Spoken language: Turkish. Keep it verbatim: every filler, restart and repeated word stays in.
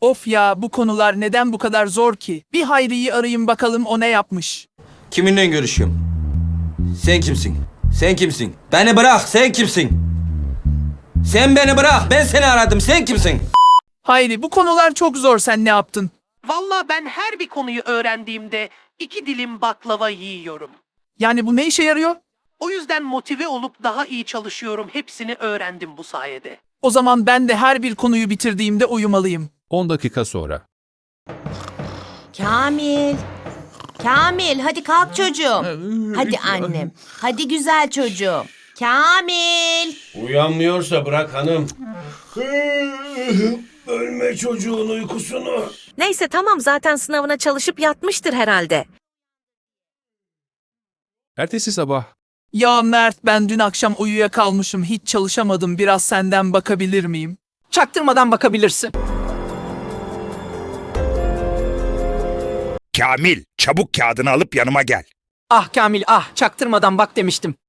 Of ya, bu konular neden bu kadar zor ki? Bir Hayri'yi arayayım bakalım o ne yapmış. Kiminle görüşüyorum? Sen kimsin? Sen kimsin? Beni bırak, sen kimsin? Sen beni bırak, ben seni aradım, sen kimsin? Hayri, bu konular çok zor, sen ne yaptın? Valla ben her bir konuyu öğrendiğimde iki dilim baklava yiyorum. Yani bu ne işe yarıyor? O yüzden motive olup daha iyi çalışıyorum. Hepsini öğrendim bu sayede. O zaman ben de her bir konuyu bitirdiğimde uyumalıyım. on dakika sonra. Kamil. Kamil hadi kalk çocuğum. Hadi annem. Hadi güzel çocuğum. Kamil. Uyanmıyorsa bırak hanım. Ölme çocuğun uykusunu. Neyse tamam, zaten sınavına çalışıp yatmıştır herhalde. Ertesi sabah. Ya Mert, ben dün akşam uyuyakalmışım, hiç çalışamadım, biraz senden bakabilir miyim? Çaktırmadan bakabilirsin. Kamil, çabuk kağıdını alıp yanıma gel. Ah Kamil ah, çaktırmadan bak demiştim.